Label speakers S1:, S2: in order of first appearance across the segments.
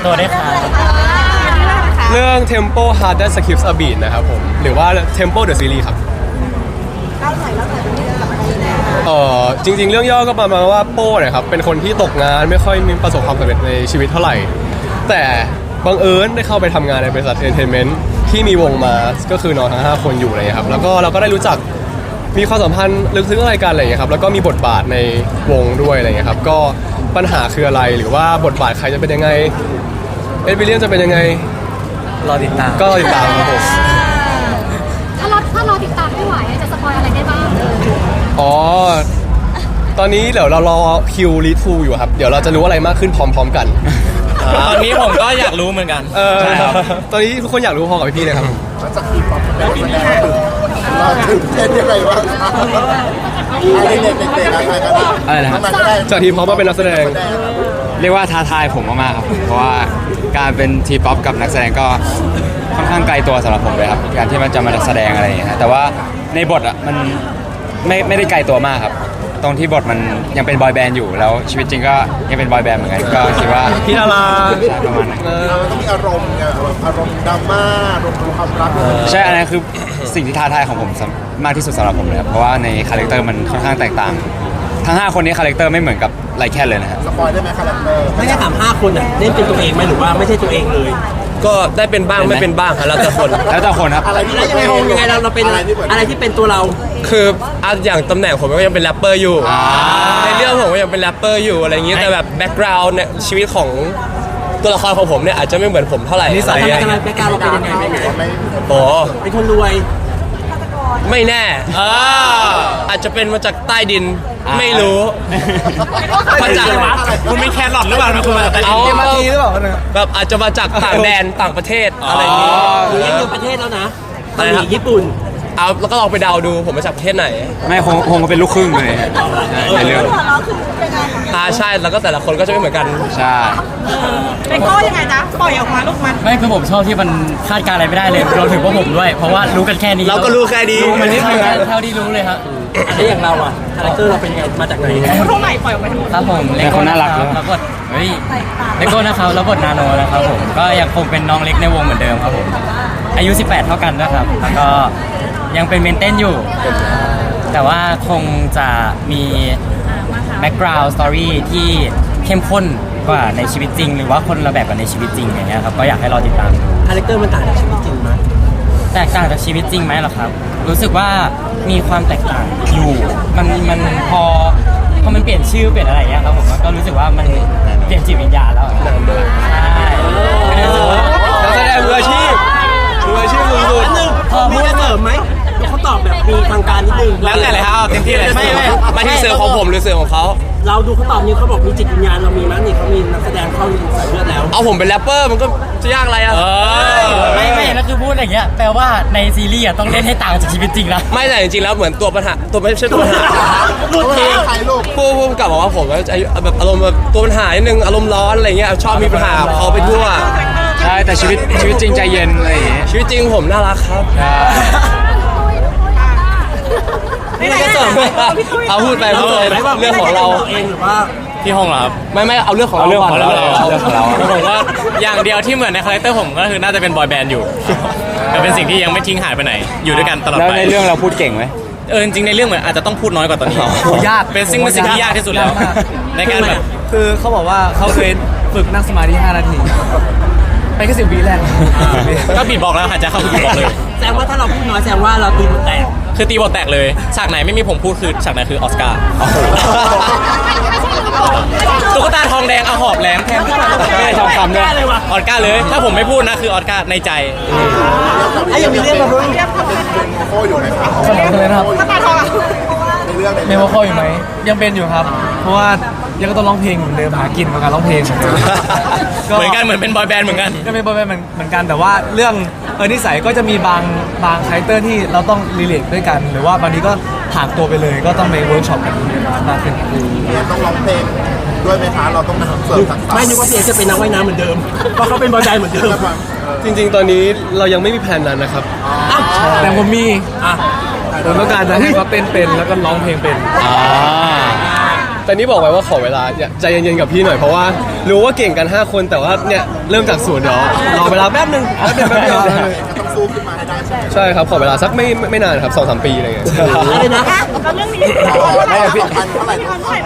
S1: ตัวได้ค่ะ
S2: เรื่อง Tempo Hard That Skips a Beat นะครับผมหรือว่า Tempo the Series ครับจริงๆเรื่องย่อก็ประมาณว่าโป้เนี่ยครับเป็นคนที่ตกงานไม่ค่อยมีประสบความสำเร็จในชีวิตเท่าไหร่แต่บังเอิญได้เข้าไปทำงานในบริษัทเอนเตอร์เทนเมนต์ที่มีวงมาก็คือน้องทั้ง5คนอยู่อะไรอย่างเงี้ยครับแล้วก็เราก็ได้รู้จักมีความสัมพันธ์ลึกซึ้งอะไรกันอะไรอย่างเงี้ยครับแล้วก็มีบทบาทในวงด้วยอะไรอย่างเงี้ยครับก็ปัญหาคืออะไรหรือว่าบทบาทใครจะเป็นยังไงเอ็ดวิลเลียมจะเป็นยังไง
S1: รอติดตาม
S2: ก็ติดตามครับผม
S3: ถ้าเราติดตามไม่ไหวจะสปอยอะไรได้บ้าง
S2: อ๋อตอนนี้เดี๋ยวเรารอคิวรีทูอยู่ครับเดี๋ยวเราจะรู้อะไรมากขึ้นพร้อมๆกัน
S1: ตอนนี้ผมก็อยากรู้เหมือนกัน
S2: ใช่ครับตอนนี้ทุกคนอยากรู้พอกับพี่ๆเลยครับ
S4: จากทีป๊อปเป็นนักแสดงเราถึงเต้นยังไงบ้าง
S5: อะไรนะครับ
S2: จากทีป๊อปมาเป็นนักแสดง
S5: เรียกว่าท้าทายผมมากๆครับเพราะว่าการเป็นทีป๊อปกับนักแสดงก็ค่อนข้างไกลตัวสำหรับผมเลยครับการที่มันจะมาแสดงอะไรอย่างเงี้ยแต่ว่าในบทอ่ะมันไม่ได้ไกลตัวมากครับตรงที่บทมันยังเป็นบอยแบนด์อยู่แล้วชีวิตจริงก็ยังเป็นบอยแบนด์เหมือนกันก็คิดว่า
S2: พี่ดารา
S5: ประมาณนั้น
S4: ต้องมีอารมณ์ไงอารมณ์ดราม่าอารมณ์ความรัก
S5: ใช่อันนั้นคือสิ่งที่ท้าทายของผมมากที่สุดสำหรับผมเลยครับเพราะว่าในคาแรคเตอร์มันค่อนข้างแตกต่างทั้ง5คนนี้คาแรคเตอร์ไม่เหมือนกับไลแคนเลยนะครับ
S4: สปอยได้ไหมคาแรคเตอร์
S6: ไม่ได้ถาม5คนอ่ะเล่นเป็นตัวเองไหมหรือว่าไม่ใช่ตัวเองเลย
S1: ก็ได้เป็นบ้างไม่เป็นบ้างครับแล้วแต่คน
S5: ครับ
S6: อะไรที่ยังไงเราเป็นอะไรที่เป็นตัวเรา
S1: คืออย่างตำแหน่งผมก็ยังเป็นแรปเปอร์อยู่ในเรื่องผมก็ยังเป็นแรปเปอร์อยู่อะไรอย่างนี้แต่แบบแบ็กกราวด์เนี่ยชีวิตของตัวละครของผมเนี่ยอาจจะไม่เหมือนผมเท่าไหร่
S6: นิสัยแบ็กกราวด์เราเป็นยังไง
S1: โอ้
S6: เป็นคนรวย
S1: ไม่แน่อาจจะเป็นมาจากใต้ดินไม่รู้มาจาก
S6: คุณไม่แคร์หลอดหรือเปล่าคุณมาจาก
S1: เอามาทีหรือเปล่าแบบอาจจะมาจากต่างแดนต่างประเทศอะไรอย่างนี้
S6: หรือยังอยู่ประเทศแล้วนะเกาหลีญี่ปุ่น
S1: เอาแล้วก็ลองไปเดาดูผมมาจากประเทศไหน
S5: ไม่คงเป็นลูกครึ่งเลยในเรื่อง
S1: ใช่แล้วก็แต่ละคนก็จะไม่เหมือนกัน
S5: ใช่
S3: เป็นก็ยังไงจ๊ะปล่อยออกมาลูกมัน
S1: ไม่คือผมชอบที่มันคาดการอะไรไม่ได้เลยเราถึงว่าผมด้วยเพราะว่ารู้กันแค่นี้
S5: เราก็รู้แค่นี้
S1: มันนิดนึงเท่าที่รู้เลยครับ
S6: แล้วอย่างเราอ่ะคาแรคเตอร์เราเป็นยังไงมาจากไหน
S3: เท่าไหร่ปล่อยออกมาทั้งหมด
S1: ครับผมเลโก้น่ารักแล้วก็เฮ้ยเลโก้นะครับแล้วบทนาโนนะครับผมก็ยังคงเป็นน้องเล็กในวงเหมือนเดิมครับผมอายุ18เท่ากันนะครับแล้วก็ยังเป็นเมนเต้นอยู่แต่ว่าคงจะมีแบ็กกราวด์สตอรี่ที่เข้มข้นกว่าในชีวิตจริงหรือว่าคนละแบบกับในชีวิตจริงอย่างเงี้ยครับก็อยากให้รอติดตามดู
S6: คาแรคเตอร์มันต่างจากชีวิตจริงไหม
S1: แตกต่างจากชีวิตจริงไหมหรอครับรู้สึกว่ามีความแตกต่างอยู่มันพอมันเปลี่ยนชื่อเปลี่ยนอะไรเงี้ยครับผมก็รู้สึกว่ามันเปลี่ยนจิตวิญญาณแล้วใช่
S2: นักแสดงมืออาชีพสุด
S6: ๆพอพูดเสริมไหมเขาตอบแบบมีทางการนิดนึง
S1: แล้วแต่เลยครับเต็มที่เลยไม่ที่เสือของผมหรือเสือของเขา
S6: เราดูเขาตอบนี่เขาบอกมีจิตวิญญาณเรามีมั้ยนี่เขามีนักแสดงเข้าใส่เลือดแล้ว
S1: เอาผมเป็นแรปเปอร์มันก็จะยากอะไรอ่ะไม่แล้วคือพูดอย่างเงี้ยแปลว่าในซีรีส์ต้องเล่นให้ต่างจากชีวิตจริงนะไม่แต่จริงๆแล้วเหมือนตัวปัญหาตัวไม่ใช่ตัวปัญหา
S4: ลูกเพลง
S1: พูดกลับบอกว่าผมแบบอารมณ์แบบตัวปัญหานิดนึงอารมณ์ร้อนอะไรเงี้ยชอบมีปัญหาเขาไปทั่ว
S5: ใช่แต่ชีวิตจริงใจเย็นอะไรอย่างเงี้ย
S1: ชีวิตจริงผมน่ารักครับ
S3: ไม่ได้เสริม
S1: เอาพูดไปเรื่องของเรา
S6: เองหรือว่า
S1: ที่ห้องเหรอครับไม่เอาเรื่องของเราก่อนผมว่าอย่างเดียวที่เหมือนในคาแรคเตอร์ผมก็คือน่าจะเป็นบอยแบนด์อยู่แต่เป็นสิ่งที่ยังไม่ทิ้งหายไปไหนอยู่ด้วยกันตลอดไป
S5: แล้วในเรื่องเราพูดเก่งไหม
S1: จริงๆในเรื่องเหมือนอาจจะต้องพูดน้อยกว่าตอนนี้ยากเป็นสิ่งที่ยากที่สุดแล้วในการแบบ
S2: คือเขาบอกว่าเขาเคยฝึกนั่งสมาธิ5 นาทีไปแค่10 วิแรก
S1: ก็บีบบอกแล้วหายใจเข้าบีบบอกเลย
S6: แสดงว่าถ้าเราพูดน้อยแสดงว่าเราตีบทแตก
S1: คือตีบทแตกเลยฉากไหนไม่มีผมพูดคือฉากไหนคือออสการ์ตุ๊กตาทองแดงเอาหอบแหลมแทนไม่ได้ทองคำเลยออสการ์เลยถ้าผมไม่พูดนะคือออสการ์ในใจ
S6: ยังมีเรื่องมาพูด
S4: โคอยู่ไหมครับ
S3: ตุ๊กตาทอง
S2: เมโมโคอยู่ไหมยังเป็นอยู่ครับเพราะว่ายังก็ต้องร้องเพลงเหมือนเดิมหากินกับการร้องเพลง
S1: เหมือนกันเหมือนเป็นบอยแบนด์เหมือนกัน
S2: ก็เป็นบอยแบนด์เหมือนกันแต่ว่าเรื่องนิสัยก็จะมีบางคาแรคเตอร์ที่เราต้องรีเลทด้วยกันหรือว่าบางทีก็ผ่านตัวไปเลยก็ต้องไปเวิร์กช็อปกันมากขึ้น
S4: ต้องร้องเพลงด้วยไหมคะเราต้องเสริมทักษะ
S6: ไม่นึกว่าพี่จะเป็นนักว่ายน้ำเหมือนเดิมเพราะเขาเป็นบอยแบนด์เหมือนเดิม
S2: จริงๆตอนนี้เรายังไม่มีแผนนั้นนะครับแต่ผมมีผมต้องการจะให้เขาเต้นเป็นแล้วก็ร้องเพลงเป็นแต่นี่บอกไว้ว่าขอเวลาใจเย็นๆกับพี่หน่อยเพราะว่ารู้ว่าเก่งกัน 5 คนแต่ว่าเนี่ยเริ่มจากศูนย์เดี๋ยวรอเวลาแป๊บนึงแป๊บเดียว
S4: ต้องสู้ขึ้นมาให้ได้ใช่ไหม
S2: ใช่ครับขอเวลาสักไม่นานครับ 2-3 ปีอะไรเงี้ย
S6: อะไรนะ
S5: ไม่พี่
S4: พันเท่าไหร่นะ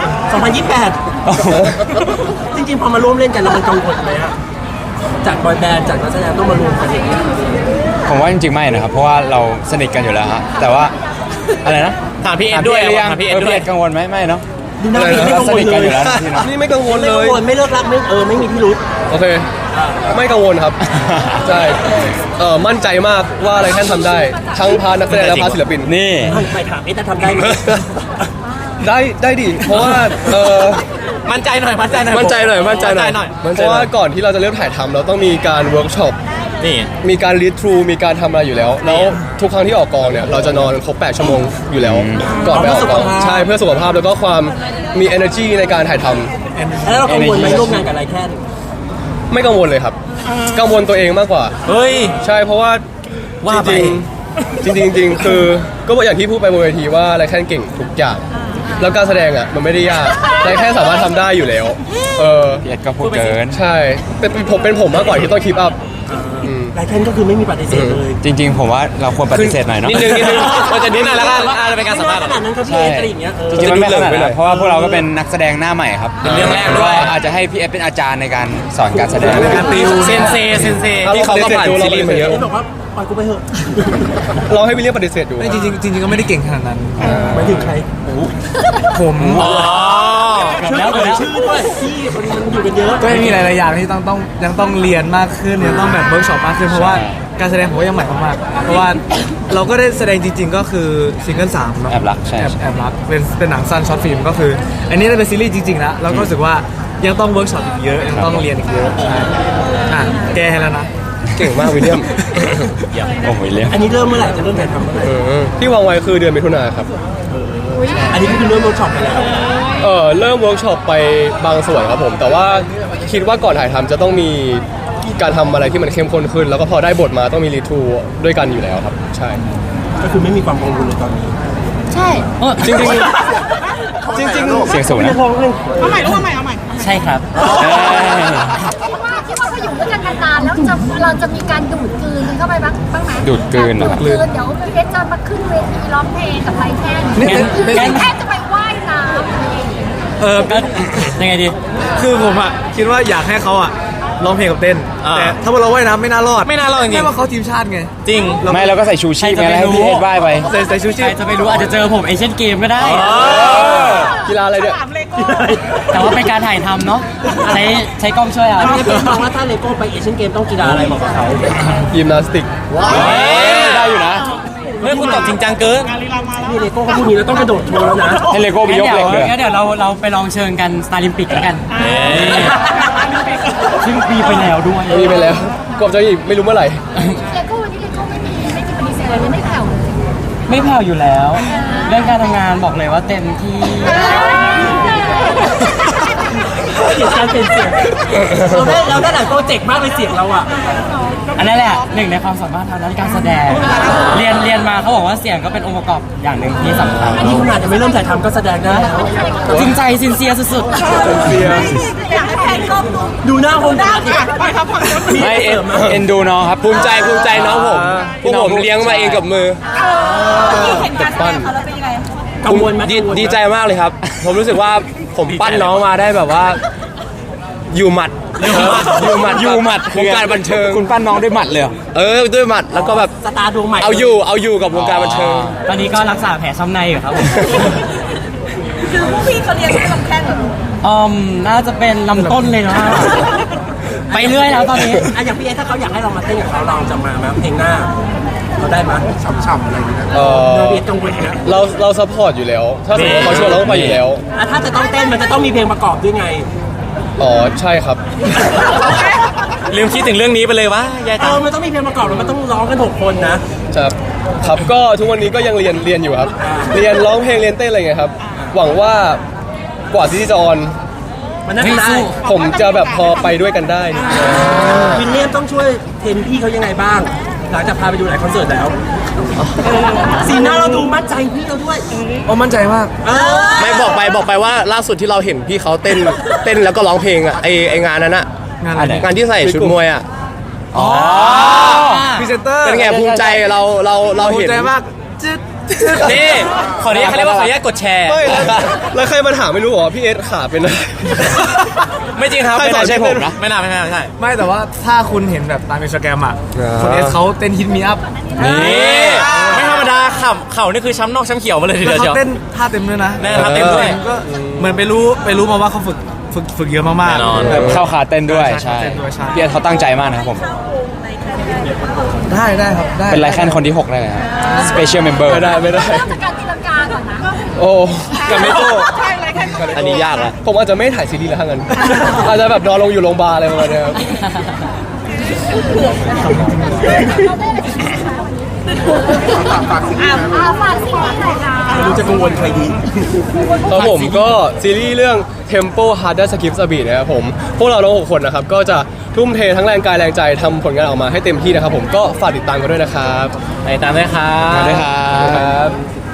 S6: 2028 จริงๆพอมาร่วมเล่นกันแล้วมันกังวลไหมอะจากบอยแบนด์จากนักแสดงต้องมารวมกันอย่างนี้
S5: ผมว่าจริงๆไม่นะครับ เพราะว่าเราสนิทกันอยู่แล้วฮะแต่ว่าอะไรนะ
S1: ถามพี่เอ็ดด้วย
S5: หรือยัง
S1: ถามพี่เอ็ด
S5: พี่
S1: ด้วย
S5: เอ็ดกังวลไหมไม่เนาะ
S6: ดูหน้าพี่ไม่
S5: เรา
S6: กัง
S5: ส
S6: วล
S5: นิท
S6: เล
S5: กัน
S6: ย
S5: อยู่แล้วนะพี่เนาะ
S2: นี่ไม่กังวล
S6: ไม่
S2: เล
S6: กั
S2: ย
S6: งวลไม่เลิกรักไม่มีพิรุษ
S2: โอเค ไม่กังวลครับ ใช่มั่นใจมากว่าอะไรแค่ทำได้ ทั้งพานักแสดงและพาศิลปิน
S5: นี่
S6: ไปถามจะทำได้ไหม
S2: ได้ดิเพราะว่า
S1: มั่นใจหน่อยมั่นใจหน่อย
S2: มั่นใจหน่อยเพราะว่าก่อนที่เราจะเริ่มถ่ายทำเราต้องมีการเวิร์กช็อป
S1: นี่
S2: มีการรีดทรูมีการทำอะไรอยู่แล้ว แล้วทุกครั้งที่ออกกองเนี่ยเราจะนอนครบ8 ชั่วโมงอยู่แล้ว ก่อนไปออกกองใช่เพื่อสุขภาพแล้วก็ความมี energy ในการถ่ายทำ
S6: แล้วเรากังวลไหมร่วมงานกับอะไรแค่
S2: ไม่กังวลเลยครับ กังวลตัวเองมากกว่า
S1: เฮ้ย
S2: ใช่เพราะว่า
S1: ว่าไป
S2: จริงๆคือก็อย่างที่พูดไปบนเวทีว่าไรแค่เก่งทุกอย่าง แล้วการแสดงอ่ะมันไม่ได้ยากไรแค่สามารถทำได้อยู่แล้ว
S5: พี่เอ็ดก็พูดเกิน
S2: ใช่เป็นผมมากกว่าที่ต้องคีปอัพ
S6: หลายท่านก็คือไม่มีปฏิเสธเลย
S5: จริงๆ ผมว่าเราควรปฏิเสธหน่อยเนาะ
S2: นิดนึงมันจะนิดหน่อยแล้วกัน
S1: เป็นการสัมภาษณ์
S6: ขนาดนั้นครับพี่เออะไรอย่างเงี้ย
S5: จริงๆมันไม่ขนาดนั้นเพราะว่าพวกเราก็เป็นนักแสดงหน้าใหม่ครับ
S1: เป็นเรื่องแรกด้วย
S5: ก็อาจจะให้พี่เอ็ดเป็นอาจารย์ในการสอนการแสดง
S1: เซนเซที่เขาก็ผ่านซีรีส์มาเยอะ
S6: เอบอกว่าปล่อยกูไปเถอะ
S2: เราให้วิลเลียมปฏิเสธดู
S7: จริงๆก็ไม่ได้เก่งขนาดนั้น
S6: หมายถึงใคร
S7: ผม
S1: อ๋อเกือบแล้วเกือบแล้ว
S6: ชื่อด้วยพี่คนนี้มันอยู่กันเยอะ
S7: ก็ยังมีหลายๆอย่างที่ยังต้องเรียนมากขึ้นยังต้องแบบเวิร์กช็อปมากขึ้นเพราะว่าการแสดงผมก็ยังใหม่มากๆเพราะว่าเราก็ได้แสดงจริง ๆ ก็คือซิงเกิล3เนาะ
S5: แอบรักใช่
S7: แอบรักเป็นหนังสั้นช็อตฟิล์มก็คือ อันนี้ได้เป็นซีรีส์จริงๆแล้วเราก็รู้สึกว่ายังต้องเวิร์กช็อปอีกเยอะยังต้องเรียนอีกเยอะใช่แกให้แล้วนะ
S2: เก่งมากวิลเลียม
S5: โอ้โหเลี้ยง
S6: อันนี้เริ่มเมื่อไหร่จะเริ่มถ่ายทำเมื่อไหร่
S2: ที่วางไว้คือเดือนมิถุนาครับ
S6: อันนี้ก็คือเริ่มเวิร์กช็อปไปแล้ว
S2: เริ่มเวิร์กช็อปไปบางส่วนครับผม แต่ว่าคิดว่าก่อนถ่ายทำจะต้องมีการทำอะไรที่มันเข้มข้นขึ้น แล้วก็พอได้บทมาต้องมีรีทูด้วยกันอยู่แล้วครับ ใช่
S6: ก็คือไม่มีความกังวลเลยตอนนี้
S3: ใช่
S2: จริง
S5: เสียงสูงนะ
S1: ใช่ครับ
S3: คิดว่าเขาอยู่ด้วยกันนานๆแล้วเราจะมีการดูดกลืนเข้าไปบ้างไหม
S5: ดูดกลืนเหรอครับ
S3: ดูดกลืนเดี๋ยวพี่เพชรจะมาขึ้นเวทีร้องเพลงกับไรแท่น
S1: งั้น
S3: แท่นจะไปว่ายน้ำอะไรอย่างเงี้ย
S1: ก็ยังไงดี
S7: คือผมอ่ะคิดว่าอยากให้เขาอ่ะร้องเพลงกับเต้น แต่ถ้าว่าเราว่ายน้ำไม่น่ารอด
S1: ไม่น่ารอดจริงๆ
S7: แค่ว่าเขาทีมชาติไง
S1: จริง
S5: ไม่เราก็ใส่ชูชีพไงแล้วให้พี่เอ็ดว่ายไป
S7: ใส่ชูชี
S1: ใคร
S7: พ
S1: จะไปรู้อาจจะเจอผมเอเชียนเกมก็ได้
S2: กีฬาอะไรเนี่ย
S1: แต่ว่าเป็นการถ่ายทำเนาะใช้กล้องช่วยเอา
S6: พี่เป็นมองว่าถ้าเลโก้ไปเอเชียนเกมต้องกีฬาอะไรบอกกับเขา
S2: ยิมนาสติก
S5: ได้อยู่นะ
S1: เฮ้ยคุณตอบจริงจังเกิน
S6: พี่เลโก้เขาพูดนี้แล้วต้องกระโดดโชว์แล้วนะ
S5: ให้เลโก้ไปยกเหล็กเลย
S1: งั้นเดี๋ยวเราไปลองเชิญกันสตาร์ลิมปิกแล้วกันซึ่งปีไปแล้วด้วย
S2: มีไปแล้วกบจะอีกไม่รู้เมื่อไหร่
S3: เลโก้วันนี้เลโก้ไม่มีปฏิเสธเลยไม่แผ่วเลย
S1: ไม่แผ่วอยู่แล้ว เรื่องการทำงานบอกเลยว่าเต็มที่
S6: เสียงการเป็นเสียงเราได้หลายโปรเจกต์มากเลยเสียงเราอ่ะ
S1: อันนั้นแหละหนึ่งในความสามารถทางด้านการแสดง เรียนมาเขาบอกว่าเสียงก็เป็นองค์ประกอบอย่างหนึ่งที่สำคัญ
S6: นี่ขนาดจะไม่เริ่มถ่ายทำก็แสดงได้แล้ว
S1: จริงใจซินเซียสุด
S6: ดูหน้าคงได้สิ
S5: ไม่เอ็นดูน้องครับภูมิใจน้องผมพวกผมเลี้ยงมาเองกับมือ
S6: กังวลไหม
S8: ดีใจมากเลยครับ ผมรู้สึกว่าผมปั้นน้องมาได้แบบว่า อยู่หมัดอยู่หมัดวงการบันเทิง
S5: คุณปั้นน้องด้วยหมัดเลยเหรอ
S8: ด้วยหมัดแล้วก็แบบ
S6: สตาร์ดวงใหม่
S8: เอาอยู่กับวงการบันเทิง
S1: ๆ ตอนนี้ก็รักษาแผลช้ำในอยู่ครับผม
S3: คือพวกพี่เขาเรียนลำแข้งเหรอ
S1: น่าจะเป็นลำต้นเลยเนาะไปเรื่อยแล้วตอนนี้
S6: อ่ะอย่างพี่เอถ้าเขาอยากให้เรามาเต้นกับเขาเราจะมาไหมเพลงหน้าเราได้ไหม
S4: ฉ่ำๆอะไรอย่างเงี้ย
S6: พี่เอกังวลนะ
S2: เราซัพพอร์ตอยู่แล้ว ถ้าสมมติว่าเขาชวนเราต้องไปอยู่แล้ว
S6: อ่ะถ้าจะต้องเต้นมันจะต้องมีเพลงประกอบด้วยไง
S2: อ๋อใช่ครับ
S1: ลืมคิดถึงเรื่องนี้ไปเลยวะยาย
S6: เอ
S1: ตา
S6: อมันต้องมีเพลงประกอบแล้วมันต้องร้องกัน6 คนนะ
S2: ครับก็ทุกวันนี้ก็ยังเรียนอยู่ครับ เรียนร้องเพลงเรียนเต้นอะไรเงี้ยครับ หวังว่ากว่าซีรีส์จะออน
S6: มันน่าจะได้
S2: ผมจะแบบพอไปด้วยกันได้
S6: วิลเลียมต้องช่วยเทรนพี่เขายังไงบ้าง หลังจากพาไปดูหลายคอนเสิร์ตแล้วสีหน้าเราดูมั่นใจพี่เราด้วย
S7: โอ้มั่นใจมาก
S6: เออ
S8: ไม่บอกไปว่าล่าสุดที่เราเห็นพี่เขาเต้นแล้วก็ร้องเพลงอ่ะไองานนั้นอ่ะ
S7: งานอะไร
S8: งานที่ใส่ชุดมวยอ่ะ
S5: อ๋อ
S7: พรีเซนเตอร์
S8: เป็นไงภูมิใจเรา
S7: ภู
S8: เห็น
S7: มิใจมากจึ๊ด
S1: นี่ขออนุญาตเขาเรียกว่าขออนุญาตกดแชร์
S2: ไม่แล้วใครมาถามไม่รู้เหรอพี่เอสขาเป็นอะไร
S1: ไม่จริงครับ
S2: ใครสอน
S1: ไม่ใช่
S2: เต้
S1: ผ
S2: น
S1: มนะไม่น่าใช่
S7: ไม่แต่ว่าถ้าคุณเห็นแบบตามอินสตาแกรมอ่ะคนเอสเขาเต้นฮิตมีอัพ
S1: นี่ไม่ธรรมดาเข่านี่คือช้ำนอกช้ำเขียวมาเลยที
S7: แล้
S1: เดี
S7: ว
S1: ยว
S7: เขาเต้นท่าเต็มด้วยนะ
S1: แน่ท่าเต้นด้วย
S7: ก็เหมือนไปรู้มาว่าเขาฝึกเยอะมากๆ
S1: แน่นอน
S5: แบบเข้าขาเต้นด้วย
S7: ใช่
S5: ใช่
S7: เต้นด้วยใช่
S5: พี่เอสเขาตั้งใจมากนะครับผม
S7: ได้ครับได้
S5: เป็นไลแคนคนที่ 6 ได้เลยครับ Special Member
S2: ไม่ได้
S3: เริ่มจากการตีลังกาก่อนนะ
S2: โอ้กับไม่โก้
S8: อันนี้ยากละ
S2: ผมอาจจะไม่ถ่ายซีรีส์แล้วทั้งนั้น อาจจะแบบนอนลงอยู่โรงพยาบาลอะไรประมาณเนี้ยครับ
S3: ฝากสิ่งนี้หน่อยค่ะ
S6: ไม่รู้จะกังวลใครดี
S2: ครับผมก็ซีรีส์เรื่อง Tempo Harder Skips a Beat นะครับผมพวกเราทั้ง6คนนะครับก็จะทุ่มเททั้งแรงกายแรงใจทำผลงานออกมาให้เต็มที่นะครับผมก็ฝากติดตามกันด้วยนะครับ
S1: ไปตามด้วยครับ
S5: มาด้วยครับ
S2: ครับ